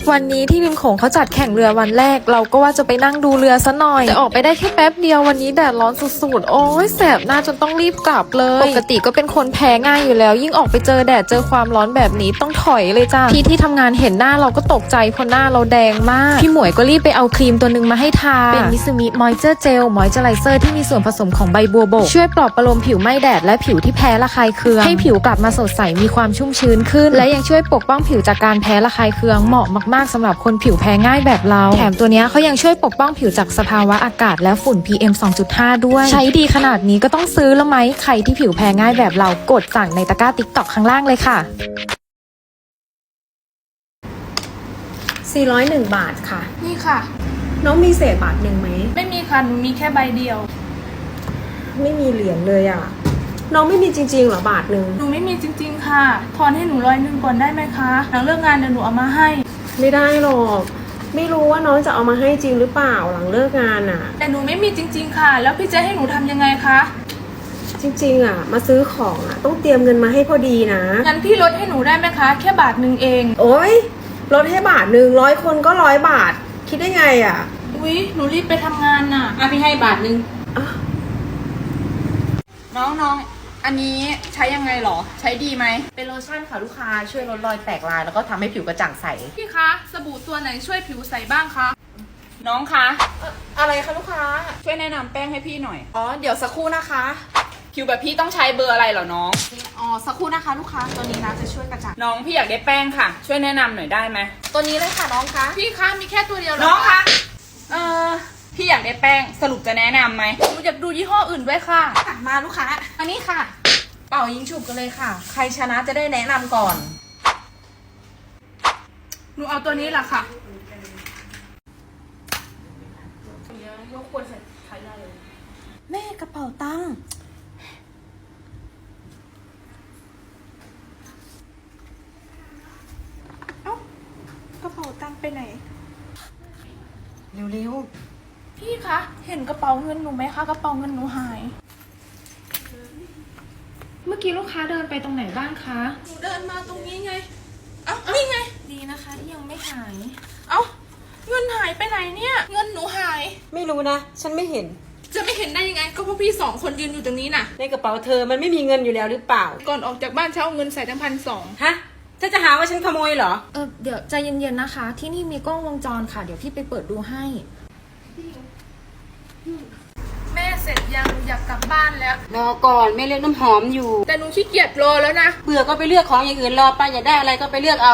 วันนี้ที่ริมโขงเขาจัดแข่งเรือวันแรกเราก็ว่าจะไปนั่งดูเรือซะหน่อยแต่ออกไปได้แค่แป๊บเดียววันนี้แดดร้อนสุดๆโอ้ยแสบหน้าจนต้องรีบกลับเลยปกติก็เป็นคนแพ้ง่ายอยู่แล้วยิ่งออกไปเจอแดดเจอความร้อนแบบนี้ต้องถอยเลยจ้าพี่ที่ทำงานเห็นหน้าเราก็ตกใจเพราะหน้าเราแดงมากพี่หมวยก็รีบไปเอาครีมตัวนึงมาให้ทาเป็นมิซูมิมอยเจอร์เจลมอยเจอไรเซอร์ที่มีส่วนผสมของใบบัวบกช่วยปลอบประโลมผิวไม่แดดและผิวที่แพ้ระคายเคืองให้ผิวกลับมาสดใสมีความชุ่มชื้นขึ้นและยังช่วยปกป้องผิวจากการแพ้ระคายเคืองเหมาะมากๆสำหรับคนผิวแพ้ง่ายแบบเราแถมตัวนี้เขายังช่วยปกป้องผิวจากสภาวะอากาศและฝุ่น PM 2.5 ด้วยใช้ดีขนาดนี้ก็ต้องซื้อแล้วไหมใครที่ผิวแพ้ง่ายแบบเรากดสั่งในตะกร้า TikTok ข้างล่างเลยค่ะ 401 บาทค่ะนี่ค่ะน้องมีเศษบาทหนึ่งไหมไม่มีค่ะหนูมีแค่ใบเดียวไม่มีเหรียญเลยอ่ะน้องไม่มีจริงๆเหรอบาทหนึ่งหนูไม่มีจริงๆค่ะทอนให้หนู100ก่อนได้ไหมคะหลังเลิกงานเดี๋ยวหนูเอามาให้ไม่ได้หรอกไม่รู้ว่าน้องจะเอามาให้จริงหรือเปล่าหลังเลิกงานอ่ะแต่หนูไม่มีจริงๆค่ะแล้วพี่จะให้หนูทำยังไงคะจริงๆอ่ะมาซื้อของอ่ะต้องเตรียมเงินมาให้พอดีนะงั้นพี่ลดให้หนูได้ไหมคะแค่บาทหนึ่งเองโอ๊ยลดให้บาทหนึ่ง100 คนก็100 บาทคิดได้ไงอ่ะอุ๊ยหนูรีบไปทำงานน่ะพี่ให้บาทหนึ่งน้องอันนี้ใช้ยังไงหรอใช้ดีไหมเป็นโลชั่นค่ะลูกค้าช่วยลดรอยแตกลายแล้วก็ทำให้ผิวกระจ่างใสพี่คะสบู่ตัวไหนช่วยผิวใสบ้างคะน้องคะอะไรคะลูกค้าช่วยแนะนำแป้งให้พี่หน่อยอ๋อเดี๋ยวสักครู่นะคะผิวแบบพี่ต้องใช้เบอร์อะไรเหรอน้องอ๋อสักครู่นะคะลูกค้าตัวนี้นะจะช่วยกระจ่างน้องพี่อยากได้แป้งค่ะช่วยแนะนำหน่อยได้ไหมตัวนี้เลยค่ะน้องคะพี่คะมีแค่ตัวเดียวน้องคะพี่อยากได้แป้งสรุปจะแนะนำไหมหนูอยากดูยี่ห้ออื่นด้วยค่ะมาลูกค้าอันนี้ค่ะเป่ายิงฉุบกันเลยค่ะใครชนะจะได้แนะนำก่อนหนูเอาตัวนี้แหละค่ะแม่กระเป๋าตังค์กระเป๋าตังค์ไปไหนเร็วพี่คะเห็นกระเป๋าเงินหนูไหมคะกระเป๋าเงินหนูหายเมื่อกี้ลูกค้าเดินไปตรงไหนบ้างคะหนูเดินมาตรงนี้ไงเอ้านี่ไงดีนะคะที่ยังไม่หายเอ้าเงินหายไปไหนเนี่ยเงินหนูหายไม่รู้นะฉันไม่เห็นจะไม่เห็นได้ยังไงก็เพราะพี่2 คนยืนอยู่ตรงนี้น่ะในกระเป๋าเธอมันไม่มีเงินอยู่แล้วหรือเปล่าก่อนออกจากบ้านเช้าเอาเงินใส่ทั้ง1,200 ฮะจะหาว่าฉันขโมยเหรอเดี๋ยวใจเย็นๆนะคะที่นี่มีกล้องวงจรค่ะเดี๋ยวพี่ไปเปิดดูให้แม่เสร็จยังอยากกลับบ้านแล้วรอก่อนแม่เลือกน้ำหอมอยู่แต่หนูขี้เกียจรอแล้วนะเบื่อก็ไปเลือกของอย่างอื่นรอไปอยากได้อะไรก็ไปเลือกเอา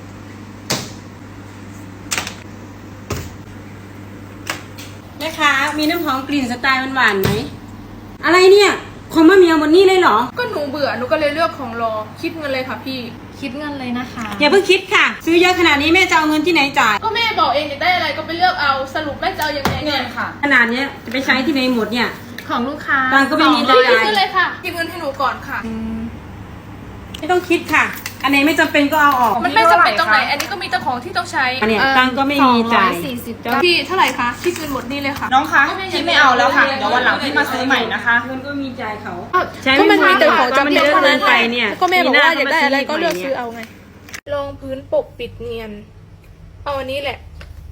แม่ค้ามีน้ำหอมกลิ่นสไตล์หวานๆไหมอะไรเนี่ยของมะเหมียวหมดนี่เลยเหรอก็หนูเบื่อหนูก็เลยเลือกของรอคิดเงินเลยค่ะพี่คิดเงินเลยนะคะอย่าเพิ่งคิดค่ะซื้อเยอะขนาดนี้แม่จะเอาเงินที่ไหนจ่ายก็แม่บอกเองอยากได้อะไรก็ไปเลือกเอาสรุปแม่จะเอายังไงเงินค่ะขนาดนี้จะไปใช้ที่ไหนหมดเนี่ยของลูกค้าตังก็ไม่มีจ่ายพี่ซื้อเลยค่ะเก็บเงินให้หนูก่อนค่ะไม่ต้องคิดค่ะอันไหนไม่จำเป็นก็เอาออกมันไม่จำเป็นตรงไหนอันนี้ก็มีแต่ของที่ต้องใช้อันนี้ตังก็ไม่มีจ่ายพี่เท่าไหร่คะพี่ซื้อหมดนี่เลยค่ะน้องคะพี่ไม่เอาแล้วค่ะเดี๋ยววันหลังพี่มาซื้อใหม่นะคะเงินก็มีจ่ายเขาก็มันมีแต่ของจำเป็นเท่านั้นไปเนี่ยก็แม่บอกว่าอยากได้อะไรก็เลือกซื้อเอาไงรองพื้นปกปิดเนียนเอาอันนี้แหละ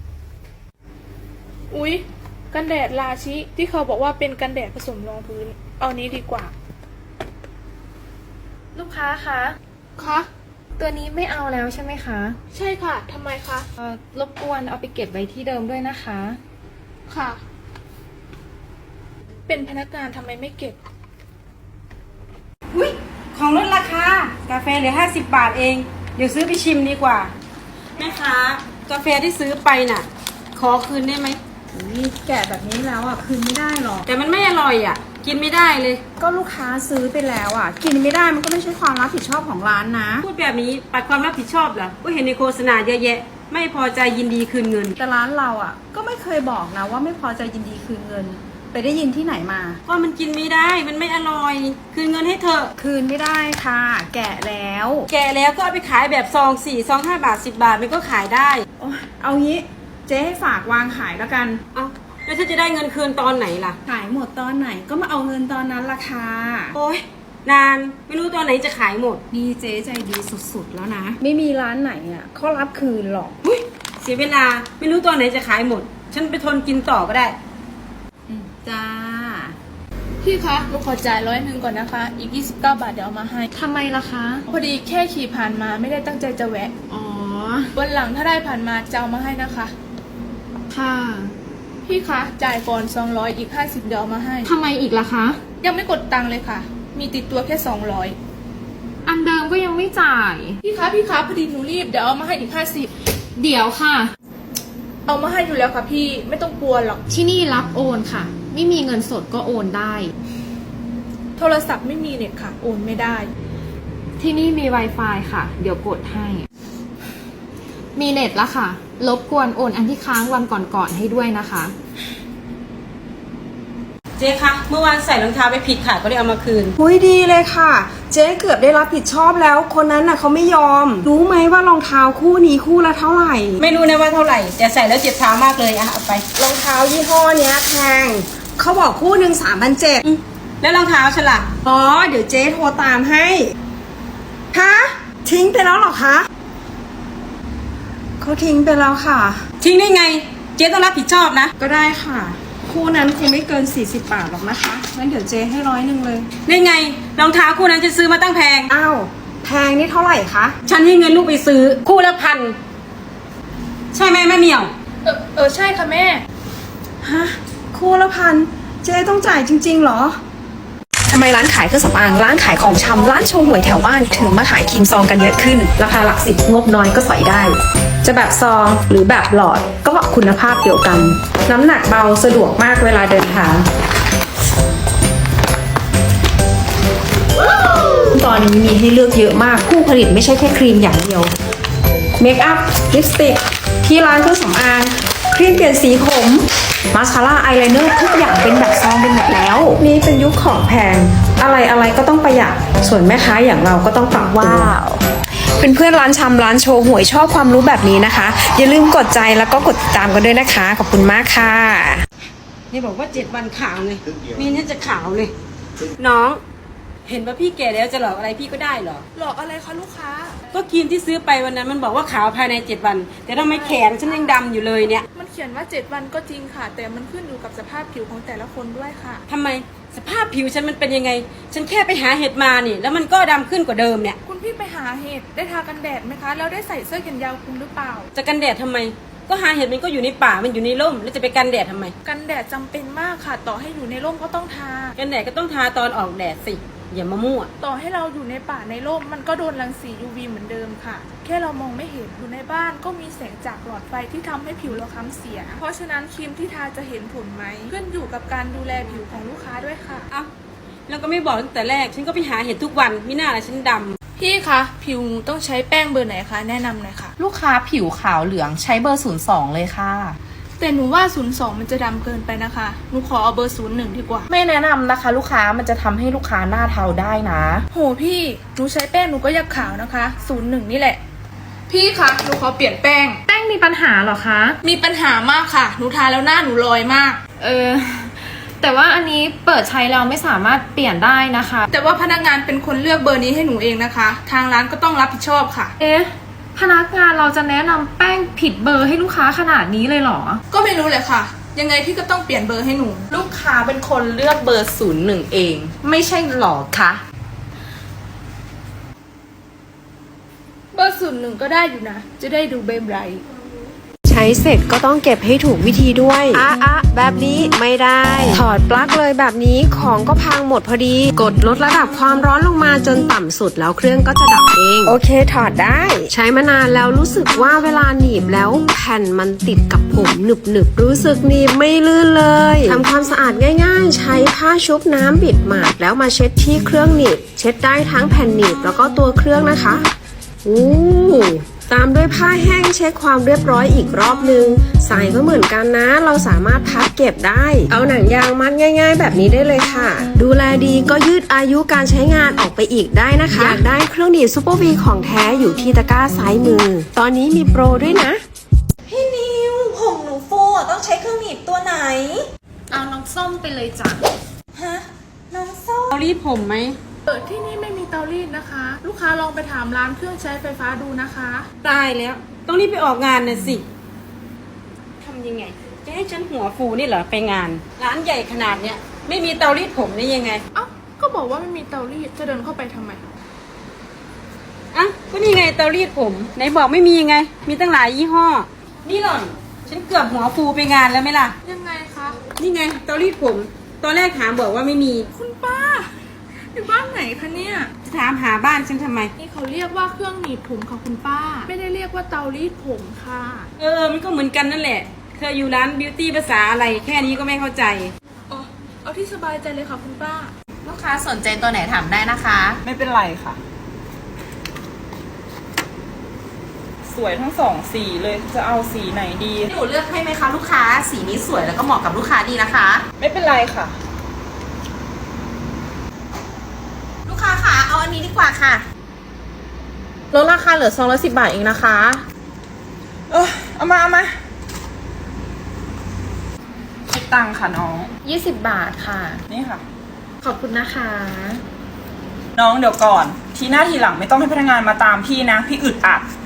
อุ๊ยกันแดดราชิที่เขาบอกว่าเป็นกันแดดผสมรองพื้นเอานี้ดีกว่าลูกค้าคะตัวนี้ไม่เอาแล้วใช่ไหมคะใช่ค่ะทำไมคะรบกวนเอาไปเก็บไว้ที่เดิมด้วยนะคะค่ะเป็นพนักงานทำไมไม่เก็บอุ๊ยของลดราคากาแฟเหลือ50 บาทเองเดี๋ยวซื้อไปชิมดีกว่าแม่ค้ากาแฟที่ซื้อไปน่ะขอคืนได้ไหมแกะแบบนี้แล้วอ่ะคืนไม่ได้หรอกแต่มันไม่อร่อยอ่ะกินไม่ได้เลยก็ลูกค้าซื้อไปแล้วอ่ะกินไม่ได้มันก็ไม่ใช่ความรับผิดชอบของร้านนะพูดแบบนี้ปัดความรับผิดชอบเหรอก็เห็นในโฆษณาเยอะแยะไม่พอใจยินดีคืนเงินแต่ร้านเราอ่ะก็ไม่เคยบอกนะว่าไม่พอใจยินดีคืนเงินไปได้ยินที่ไหนมาก็มันกินไม่ได้มันไม่อร่อยคืนเงินให้เธอคืนไม่ได้ค่ะแกะแล้วก็เอาไปขายแบบซอง4ซอง5 บาท10 บาทมันก็ขายได้เอางี้เจ๊ให้ฝากวางขายแล้วกันเอาแล้วจะได้เงินคืนตอนไหนล่ะขายหมดตอนไหนก็มาเอาเงินตอนนั้นล่ะค่ะโอ๊ยนานไม่รู้ตอนไหนจะขายหมดนี่เจ๊ใจดีสุดๆแล้วนะไม่มีร้านไหนอ่ะเขารับคืนหรอกเสียเวลาไม่รู้ตัวไหนจะขายหมด ฉันไปทนกินต่อก็ได้จ้าพี่คะหนูขอจ่าย100ก่อนนะคะ อีก29 บาทเดี๋ยวเอามาให้ทำไมล่ะคะพอดีแค่ขี่ผ่านมาไม่ได้ตั้งใจจะแวะอ๋อวันหลังถ้าได้ผ่านมาจะเอามาให้นะคะค่ะพี่คะจ่ายก่อน200อีก50เดี๋ยวเอามาให้ทำไมอีกล่ะคะยังไม่กดตังค์เลยค่ะ มีติดตัวแค่200 อันเดิมก็ยังไม่จ่ายพี่คะพอดีหนูรีบเดี๋ยวเอามาให้อีก50 เดี๋ยวค่ะเอามาให้อยู่แล้วค่ะพี่ไม่ต้องกลัวหรอกที่นี่รับโอนค่ะ ไม่มีเงินสดก็โอนได้โทรศัพท์ไม่มีเน็ตค่ะ โอนไม่ได้ที่นี่มี Wi-Fi ค่ะ เดี๋ยวกดให้ มีเน็ตแล้วค่ะ รบกวนโอนอันที่ค้างวันก่อนๆให้ด้วยนะคะเจ๊คะเมื่อวานใส่รองเท้าไปผิดค่ะก็เลยเอามาคืนหุยดีเลยค่ะ เจ๊เกือบได้รับผิดชอบแล้ว คนนั้นน่ะเขาไม่ยอม รู้ไหมว่ารองเท้าคู่นี้คู่ละเท่าไหร่ไม่รู้นะว่าเท่าไหร่แต่ใส่แล้วเจ็บเท้ามากเลยอะเอาไปรองเท้ายี่ห้อเนี้ยแพงเขาบอกคู่หนึ่ง3,700 แล้วรองเท้าฉันล่ะอ๋อ เดี๋ยวเจ๊โทรตามให้ฮะทิ้งไปแล้วเหรอคะเขาทิ้งไปแล้วค่ะทิ้งได้ไง เจ๊ต้องรับผิดชอบนะก็ได้ค่ะ คู่นั้นคงไม่เกิน40 บาทหรอกนะคะงั้นเดี๋ยวเจ๊ให้100เลยได้ไงรองเท้าคู่นั้นจะซื้อมาตั้งแพงอ้าวแพงนี่เท่าไหร่คะฉันให้เงินลูกไปซื้อคู่ละ1,000ใช่ไหมแม่เหมียวใช่ค่ะแม่ฮะคู่ละ1,000เจ๊ต้องจ่ายจริงๆเหรอทำไมร้านขายเครื่องสำอางร้านขายของชำร้านโชว์หวยแถวบ้านถึงมาขายครีมซองกันเยอะขึ้น ราคาหลักสิบงบน้อยก็สอยได้ จะแบบซองหรือแบบหลอดก็คุณภาพเดียวกัน น้ำหนักเบาสะดวกมากเวลาเดินทาง ตอนนี้มีให้เลือกเยอะมากผู้ผลิตไม่ใช่แค่ครีมอย่างเดียวเมคอัพลิปสติกที่ร้านเครื่องสำอางครีมเปลี่ยนสีผมมาสคาร่าอายไลเนอร์ทุกอย่างเป็นแบบซองเป็นหมดแล้ว นี่เป็นยุคของแพงอะไรก็ต้องประหยัดส่วนแม่ค้าอย่างเราก็ต้องปรับว้าวเป็นเพื่อนร้านชำร้านโชว์หวยชอบความรู้แบบนี้นะคะ อย่าลืมกดใจแล้วก็กดติดตามกันด้วยนะคะขอบคุณมากค่ะนี่บอกว่า7 วันขาวไงนี่ฉันจะขาวเลย น้อง เห็นว่าพี่แก่แล้วจะหลอกอะไรพี่ก็ได้เหรอหลอกอะไรคะลูกค้าก็ครีมที่ซื้อไปวันนั้นมันบอกว่าขาวภายใน7 วัน แต่ทำไมแขนฉันยังดำอยู่เลยเนี่ยมันเขียนว่า7 วันก็จริงค่ะ แต่มันขึ้นอยู่กับสภาพผิวของแต่ละคนด้วยค่ะทำไมสภาพผิวฉันมันเป็นยังไง ฉันแค่ไปหาเห็ดมานี่ แล้วมันก็ดำขึ้นกว่าเดิมเนี่ยคุณพี่ไปหาเห็ดได้ทากันแดดไหมคะ แล้วได้ใส่เสื้อแขนยาวคลุมหรือเปล่าจะกันแดดทำไม ก็หาเห็ดมันก็อยู่ในป่ามันอยู่ในร่มแล้วจะไปกันแดดทำไมกันแดดจำเป็นมากค่ะ ต่อให้อยู่ในร่มก็ต้องทากันแดดก็ต้องทาตอนออกแดดสิอย่ามามั่วต่อให้เราอยู่ในป่าในร่มมันก็โดนรังสี UV เหมือนเดิมค่ะ แค่เรามองไม่เห็นอยู่ในบ้านก็มีแสงจากหลอดไฟที่ทำให้ผิวเราค้ำเสีย เพราะฉะนั้นครีมที่ทาจะเห็นผลไหมขึ้นอยู่กับการดูแลผิวของลูกค้าด้วยค่ะเอ้าแล้วก็ไม่บอกตั้งแต่แรกฉันก็ไปหาเห็ดทุกวันมิน่าละฉันดำพี่คะผิวหนูต้องใช้แป้งเบอร์ไหนคะแนะนำหน่อยค่ะลูกค้าผิวขาวเหลืองใช้เบอร์ 02 เลยค่ะแต่หนูว่า02มันจะดำเกินไปนะคะหนูขอเอาเบอร์01ดีกว่าไม่แนะนำนะคะ ลูกค้ามันจะทำให้ลูกค้าหน้าเทาได้นะโหพี่หนูใช้แป้งหนูก็อยากขาวนะคะ01นี่แหละ พี่คะหนูขอเปลี่ยนแป้งแป้งมีปัญหาเหรอคะมีปัญหามากค่ะหนูทาแล้วหน้าหนูลอยมากแต่ว่าอันนี้เปิดใช้แล้วไม่สามารถเปลี่ยนได้นะคะแต่ว่าพนักงานเป็นคนเลือกเบอร์นี้ให้หนูเองนะคะ ทางร้านก็ต้องรับผิดชอบค่ะเอ๊ะ พนักงานเราจะแนะนำแป้งผิดเบอร์ให้ลูกค้าขนาดนี้เลยเหรอก็ไม่รู้เลยค่ะ ยังไงพี่ก็ต้องเปลี่ยนเบอร์ให้หนูลูกค้าเป็นคนเลือกเบอร์ 01 เอง ไม่ใช่หรอคะเบอร์01ก็ได้อยู่นะ จะได้ดูเบมไรท์ใช้เสร็จก็ต้องเก็บให้ถูกวิธีด้วยแบบนี้ไม่ได้ ถอดปลั๊กเลยแบบนี้ของก็พังหมดพอดี กดลดระดับความร้อนลงมาจนต่ำสุดแล้วเครื่องก็จะดับเอง โอเคถอดได้ ใช้มานานแล้วรู้สึกว่าเวลาหนีบแล้วแผ่นมันติดกับผมหนึบรู้สึกหนีบไม่ลื่นเลยทำความสะอาดง่ายๆ ใช้ผ้าชุบน้ำบิดหมาดแล้วมาเช็ดที่เครื่องหนีบเช็ดได้ทั้งแผ่นหนีบแล้วก็ตัวเครื่องนะคะตามด้วยผ้าแห้งเช็คความเรียบร้อยอีกรอบนึงใส่ก็เหมือนกันนะเราสามารถพับเก็บได้เอาหนังยางมัดง่ายๆแบบนี้ได้เลยค่ะดูแลดีก็ยืดอายุการใช้งานออกไปอีกได้นะคะอยากได้เครื่องดีดซุปเปอร์วีของแท้อยู่ที่ตะกร้าซ้ายมือตอนนี้มีโปรด้วยนะพี่นิวผมหนูฟูอ่ะต้องใช้เครื่องหนีบตัวไหนเอาน้องส้มไปเลยจ้ะฮะ น้องส้มเอารีดผมไหมที่นี่ไม่มีเตารีดนะคะ ลูกค้าลองไปถามร้านเครื่องใช้ไฟฟ้าดูนะคะตายแล้วต้องรีบไปออกงานน่ะสิำยังไง จะให้ฉันหัวฟูนี่เหรอไปงาน ร้านใหญ่ขนาดเนี้ยไม่มีเตารีดผมได้ยังไงเอ้า ก็บอกว่าไม่มีเตารีด จะเดินเข้าไปทำไมอ่ะก็นี่ไงเตารีดผมไหนบอกไม่มียังไง มีตั้งหลายยี่ห้อ นี่หล่อนฉันเกือบหัวฟูไปงานแล้วไหมล่ะยังไงคะนี่ไงเตารีดผม ตอนแรกถามบอกว่าไม่มีคุณป้า อยู่บ้านไหนคะเนี่ยจะถามหาบ้านฉันทำไมนี่เขาเรียกว่าเครื่องหนีบผมค่ะคุณป้า ไม่ได้เรียกว่าเตารีดผมค่ะมันก็เหมือนกันนั่นแหละเธออยู่ร้านบิวตี้ภาษาอะไรแค่นี้ก็ไม่เข้าใจอ๋อ เอาที่สบายใจเลยค่ะคุณป้าลูกค้าสนใจตัวไหนถามได้นะคะไม่เป็นไรค่ะ สวยทั้งสองสีเลยจะเอาสีไหนดีหนูเลือกให้ไหมคะลูกค้า สีนี้สวยแล้วก็เหมาะกับลูกค้าดีนะคะไม่เป็นไรค่ะลูกค้าค่ะเอาอันนี้ดีกว่าค่ะลดราคาเหลือ210 บาทเองนะคะเอามาคิดตังค่ะน้อง 20 บาทค่ะนี่ค่ะขอบคุณนะคะน้องเดี๋ยวก่อน ทีหน้าทีหลังไม่ต้องให้พนักงานมาตามพี่นะ พี่อึดอัด